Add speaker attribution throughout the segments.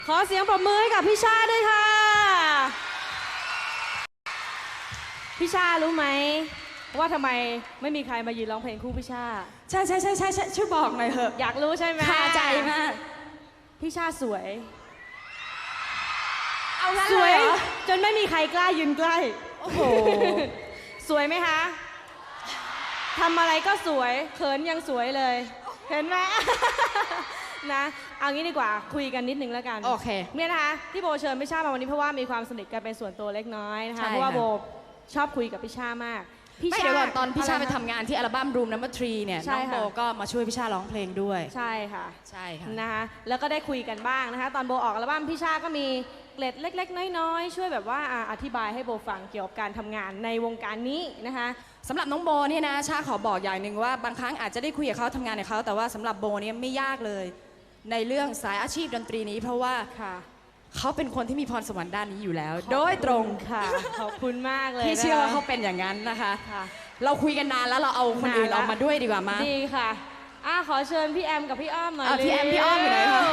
Speaker 1: ขอเสียงปรบมือให้กับพี่ชาด้วยค่ะพี่ชารู้ไหมว่าทำไมไม่มีใครมายืนร้องเพลงคู่พี่ชา
Speaker 2: ใช่ช่วยบอกหน่อยเถอะ
Speaker 1: อยากรู้ใช่ไหม
Speaker 2: คาใจมาก
Speaker 1: พี่ชาสวย
Speaker 2: เอางั้น
Speaker 1: ส
Speaker 2: เล
Speaker 1: วย ย
Speaker 2: เหรอ
Speaker 1: จนไม่มีใครกล้ายืนใกล้
Speaker 2: โอ้โห
Speaker 1: สวยไหมคะทำอะไรก็สวยเขินยังสวยเลยเห็นไหม นะเอางี้ดีกว่าคุยกันนิดนึงแล้วกัน
Speaker 2: โอเค
Speaker 1: เนี่ยนะคะที่โบเชิญพี่ชามาวันนี้เพราะว่ามีความสนิทกันเป็นส่วนตัวเล็กน้อยนะคะเพราะว่าโบชอบคุยกับพี่ชามาก
Speaker 2: ไม่เดี๋ยวก่อนตอนพี่ชาไปทำงานที่อัลบั้ม Room No. 3เนี่ยน้องโบก็มาช่วยพี่ชาร้องเพลงด้วย
Speaker 1: ใช่ค่ะ
Speaker 2: ใช่ค่ะ
Speaker 1: นะคะแล้วก็ได้คุยกันบ้างนะคะตอนโบออกอัลบั้มพี่ชาก็มีเกร็ดเล็กๆน้อยๆช่วยแบบว่าอธิบายให้โบฟังเกี่ยวกับการทำงานในวงการนี้นะคะ
Speaker 2: สำหรับน้องโบเนี่ยนะชาขอบอกอย่างหนึ่งว่าบางครั้งอาจจะได้คุยกับเขาทำงานกับเขาแต่ว่าสำหรับโบเนี่ยไม่ยากเลยในเรื่องสายอาชีพดนตรีนี้เพราะว่าเขาเป็นคนที่มีพรสวรรค์ด้านนี้อยู่แล้วโดยตรง
Speaker 1: ค่ะขอบคุณมากเลย
Speaker 2: ที่เชื่อว่าเขาเป็นอย่างนั้นนะคะเราคุยกันนานแล้วเราเอาคนอื่นออกมาด้วยดีกว่ามา
Speaker 1: ดีค่ะขอเชิญพี่แอมกับพี่อ้อมหน่อย
Speaker 2: พี่แอมพี่อ้อมอยู่ไหนคะ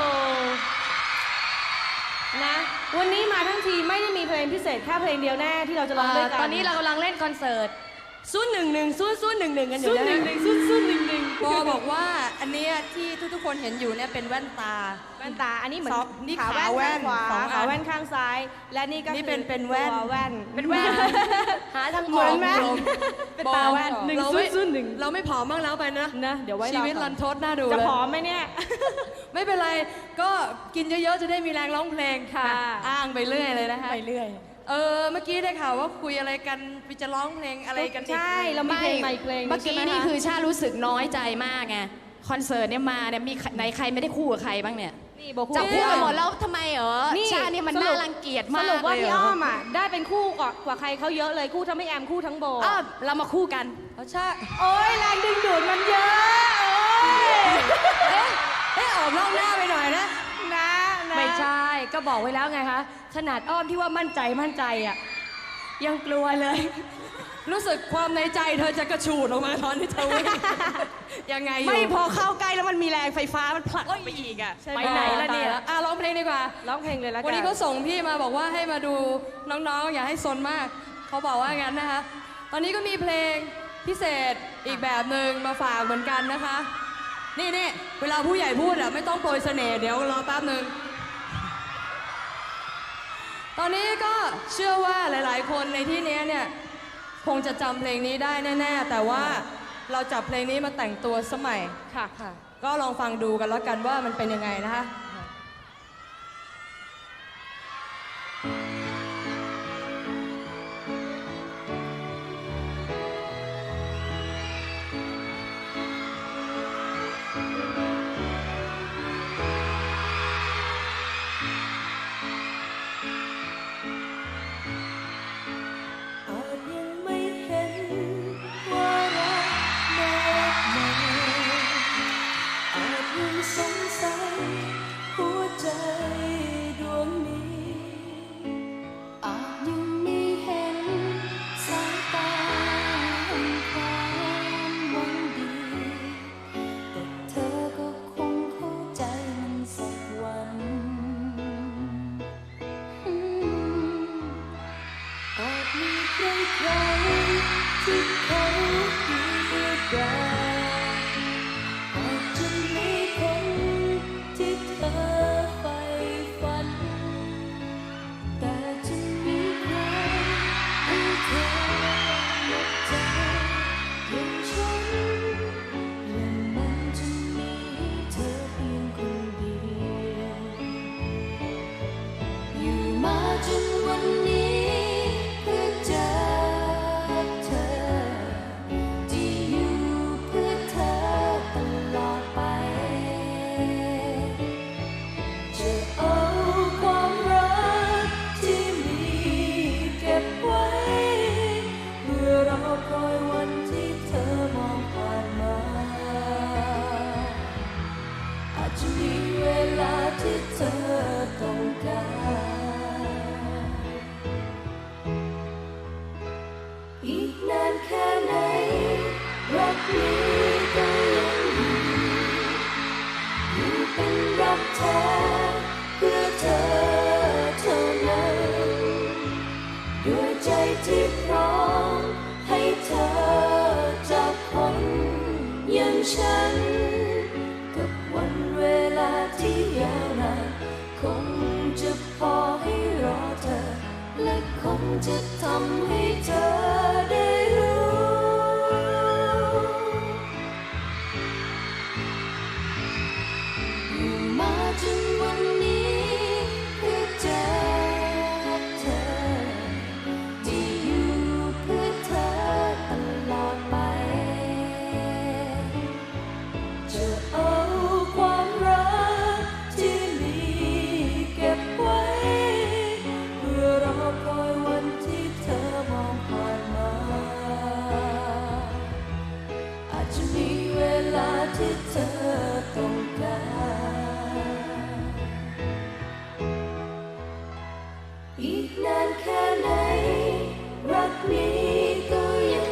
Speaker 1: นะวันนี้มาทั้งทีไม่ได้มีเพลงพิเศษแค่เพลงเดียวแน่ที่เราจะร้องด้วยกัน
Speaker 3: ตอนนี้เรากำลังเล่นคอนเสิร์ต011 011กันอยู่นะ
Speaker 1: 011
Speaker 3: โบบอกว่าอันนี้ที่ทุกคนเห็นอยู่เนี่ยเป็นแว่นตา
Speaker 1: อันนี้เหมือน
Speaker 3: นี่
Speaker 1: ขาแว่นข้างขวาขาแว่นข้างซ้ายและนี่ก็
Speaker 3: เป็นแว่น
Speaker 1: เป็นแว่น
Speaker 3: หาทาง
Speaker 1: เหมือนแว่น
Speaker 3: เป็นตาแว่น
Speaker 1: 101
Speaker 3: เราไม่ผอมบ้างแล้วไปนะ
Speaker 1: เดี๋ยวไว้
Speaker 3: ชีวิตรันทดน่าดูเลย
Speaker 1: จะผอมไหมเนี่ย
Speaker 3: ไม่เป็นไรก็กินเยอะๆจะได้มีแรงร้องเพลง
Speaker 1: ค่ะ
Speaker 3: อ้างไปเรื่อยเลยนะคะ
Speaker 1: ไปเรื่อย
Speaker 3: เมื่อกี้ได้ข่าวว่าคุยอะไรกันจะร้องเพลงอะไรกัน
Speaker 1: ใช่เรามีเพลงใหม่เพลง
Speaker 2: เมื่อกี้นี่คือชารู้สึกน้อยใจมากไงคอนเสิร์ตเนี่ยมาเนี่ยมีไหนใครไม่ได้คู่กับใครบ้างเนี่ยจับคู่กันหมดแล้วทำไมชาเนี่ยมันน่ารังเกียจมาก
Speaker 1: สรุปว่าพี่อ้อมได้เป็นคู่กว่าใครเขาเยอะเลยคู่ทั้งพี่แอมคู่ทั้งโบ
Speaker 2: เรามาคู่กัน
Speaker 3: ใช่
Speaker 1: โอ้ยแรงดึงดูดมันเยอะ
Speaker 3: ออกนอกหน้าไปหน่อยนะ
Speaker 1: ไม่
Speaker 3: ใช่ก็บอกไว้แล้วไงคะขนาดอ้อมที่ว่ามั่นใจอ่ะยังกลัวเลยรู้สึกความในใจเธอจะกระฉูดออกมาตอนที่เธอวิ่งยังไง
Speaker 2: ไม่พอเข้าใกล้แล้วมันมีแรงไฟฟ้ามันผลักไปอีก
Speaker 3: ไปไหนแล้วเนี่ยร้องเพลงดีกว่า
Speaker 1: ร้องเพลงเลยแล้วกัน
Speaker 3: วันนี้เขาส่งพี่มาบอกว่าให้มาดูน้องๆอย่าให้ซนมากเขาบอกว่างั้นนะคะตอนนี้ก็มีเพลงพิเศษอีกแบบหนึ่งมาฝากเหมือนกันนะคะนี่เวลาผู้ใหญ่พูดไม่ต้องโปรยเสน่ห์เดี๋ยวรอแป๊บหนึ่งตอนนี้ก็เชื่อว่าหลายๆคนในที่นี้เนี่ยคงจะจำเพลงนี้ได้แน่ๆแต่ว่าเราจับเพลงนี้มาแต่งตัวสมัย
Speaker 1: ค่ะ
Speaker 3: ก็ลองฟังดูกันแล้วกันว่ามันเป็นยังไงนะคะ
Speaker 4: ฉันกับวันเวลาที่ยาวนานคงจะพอให้รอเธอและคงจะทำให้เธอได้รู้อยู่มาจนวันนี้เพื่อเจอเธอที่อยู่เพื่อเธอตลอดไปจะเอาความรักที่มีเก็บไว้เพื่อรอคอยวันที่เธอมองผ่านมาอาจจะมีเวลาที่เธอต้องการอีกนานแค่ไหนรักนี้ก็ยัง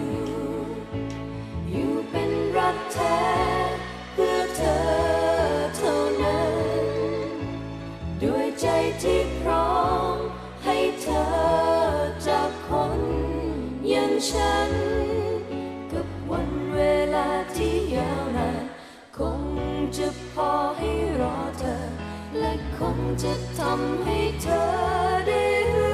Speaker 4: อยู่เป็นรักแท้เพื่อเธอเท่านั้นด้วยใจที่พร้อมให้เธอจากคนอย่างฉันกับวันเวลาที่ยาวนานคงจะพอให้รอเธอและคงจะทำให้เธอได้รู้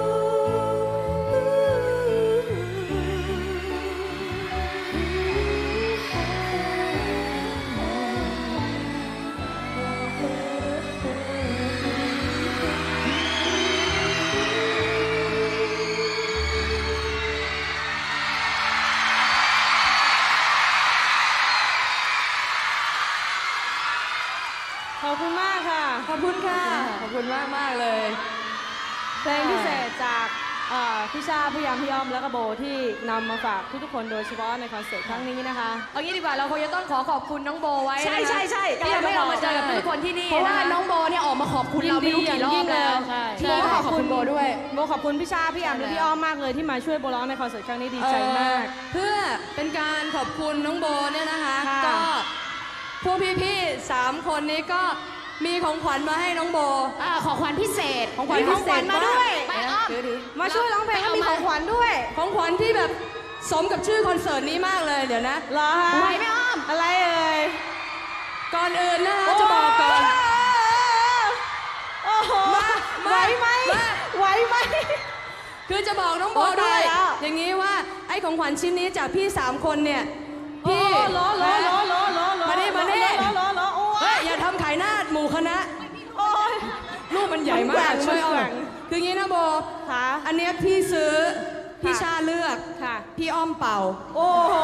Speaker 1: ขอบคุณมากค่ะ
Speaker 3: ขอบคุณค่ะ ขอบคุณมากมากๆเลย
Speaker 1: เพลงพิเศษจากพี่ชาพี่ยามพี่อ้อมและก็โบที่นำมาฝากทุกๆคนโดยเฉพาะในคอนเสิร์ตครั้งนี้นะคะ
Speaker 3: เอางี้ดีกว่าเราคงจะต้องขอบคุณน้องโบไว้นะคะ
Speaker 2: ใช่ใช่ใช่
Speaker 3: ที่ยังไม่เรามาเจอกับทุกคนที่นี่
Speaker 2: เพราะว่า
Speaker 3: นะคะ
Speaker 2: น้องโบเนี่ยออกมาขอบคุณเราไม่รู้กี่รอบแล้ว
Speaker 3: ใช่
Speaker 2: โบก็ขอบคุณโบด้วย
Speaker 1: โบขอบคุณพี่ชาพี่ยามและพี่อ้อมมากเลยที่มาช่วยโบร้องในคอนเสิร์ตครั้งนี้ดีใจมาก
Speaker 3: เพื่อเป็นการขอบคุณน้องโบเนี่ยนะคะ
Speaker 1: ค่ะ
Speaker 3: ก็พวกพี่ๆ3 คนนี้ก็มีของขวัญมาให้น้องโบ
Speaker 2: ของขวัญพิเศษ
Speaker 3: ของขวัญ
Speaker 1: มีของขวัญมาด้วย
Speaker 2: ไปอ้อม
Speaker 1: มาช่วยร้องเพลงแล้วมีของขวัญด้วย
Speaker 3: ของขวัญที่แบบสมกับชื่อคอนเสิร์ตนี้มากเลยเดี๋ยวนะ
Speaker 1: เหรอคะ
Speaker 2: ไหวไหมอ้อม
Speaker 1: อะไรเอ่ย
Speaker 3: ก่อนอื่นนะคะจะบอกก่อน
Speaker 1: โอ้โห
Speaker 3: มา
Speaker 1: ไหวไหม
Speaker 3: มา
Speaker 1: ไหวไหม
Speaker 3: คือจะบอกน้องโบ
Speaker 1: โอ้
Speaker 3: ด้วย
Speaker 1: ตายแล้ว
Speaker 3: อย่างนี้ว่าไอ้ของขวัญชิ้นนี้จากพี่3 คนเนี่ย
Speaker 1: พี่
Speaker 3: พี่
Speaker 1: ล้อ
Speaker 3: มานี่มานี่
Speaker 1: ล้อโอ้
Speaker 3: เฮ้
Speaker 1: ย
Speaker 3: ยอย่าทำขายหน้าหมู่คณะ
Speaker 1: โอ้ย
Speaker 3: รูปมันใหญ่มาก
Speaker 1: มันแกว่ง
Speaker 3: ช่วยเอา
Speaker 1: มันแกว่ง
Speaker 3: คืออย่างนี้นะโบ
Speaker 1: ค่ะ
Speaker 3: อันเนี้ยพี่ซื้อพี่ชาเลือก
Speaker 1: ค่ะ
Speaker 3: พี่อ้อมเป่า
Speaker 1: โอ้โห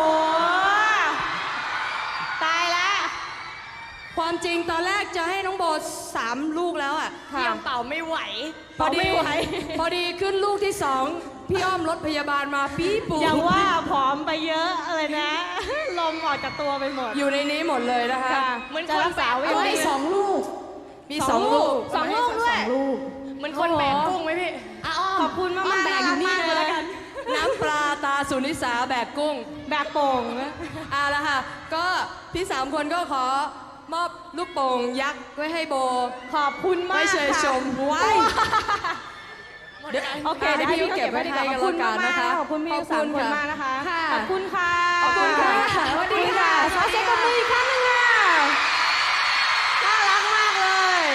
Speaker 1: ตายแล้ว
Speaker 3: ความจริงตอนแรกจะให้น้องโบ3 ลูกแล้วอ่ะ
Speaker 1: ค่ะ
Speaker 3: พี่อ้อมเป่าไม่ไหว
Speaker 1: เป่าไม่ไหว
Speaker 3: พอดีขึ้นลูกที่ 2 พี่อ้อมรถพยาบาลมาปี๊ปู
Speaker 1: อย่างว่าผอมไปเยอะเลยนะ ลมออกจากตัวไปหมด
Speaker 3: อยู่ในนี้หมดเลยนะคะ
Speaker 1: ค่ะจะรักษาไว้
Speaker 2: เอา
Speaker 1: ยัง
Speaker 2: ไว้
Speaker 1: ไง
Speaker 2: 2 ลูก
Speaker 3: มี 2 ลูก
Speaker 1: สองลูกด้วย
Speaker 2: ลูก
Speaker 3: เหมันคนแบกกุ้งไหมพี่
Speaker 2: อ้อม
Speaker 1: ขอบคุณมาก
Speaker 2: อ้อ
Speaker 1: ๆ
Speaker 2: แบกอยู่นี่
Speaker 1: น่ารักมาก
Speaker 2: เลยแล้วกัน
Speaker 3: น้ำปลาตาสุนิสาแบกกุ้ง
Speaker 1: แบบโป่งนะ
Speaker 3: เอาละค่ะ ก็พี่3 คนก็ขอมอบลูกโป่งยักษ์ไว้ให้โบ
Speaker 1: ขอบคุณมาก
Speaker 3: ไว้เชย
Speaker 1: ค่ะ
Speaker 3: ชมไว้ เดี๋ยว
Speaker 1: โอเค
Speaker 3: ให้
Speaker 1: เดี๋ยว
Speaker 3: พี่
Speaker 1: ให้
Speaker 3: เก็บไว้ให้กันแล้วกันนะคะ
Speaker 1: ขอบคุณพี่ทั้งสามคนมากนะคะ
Speaker 3: ค่ะ
Speaker 1: ขอบคุณค่ะ
Speaker 3: ขอบคุณค่ะสวัสดีค่ะ
Speaker 1: ขอเสียงปรบมืออีกครั้งหนึงค่ะน่ารักมากเลย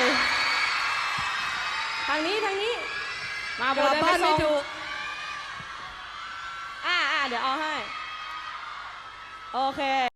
Speaker 1: ทางนี้ มาโบ
Speaker 3: กลับ
Speaker 1: เดิน
Speaker 3: บ้า
Speaker 1: ไป
Speaker 3: นไม่
Speaker 1: ส่ง
Speaker 3: ถูก
Speaker 1: เดี๋ยวเอาให้ โอเค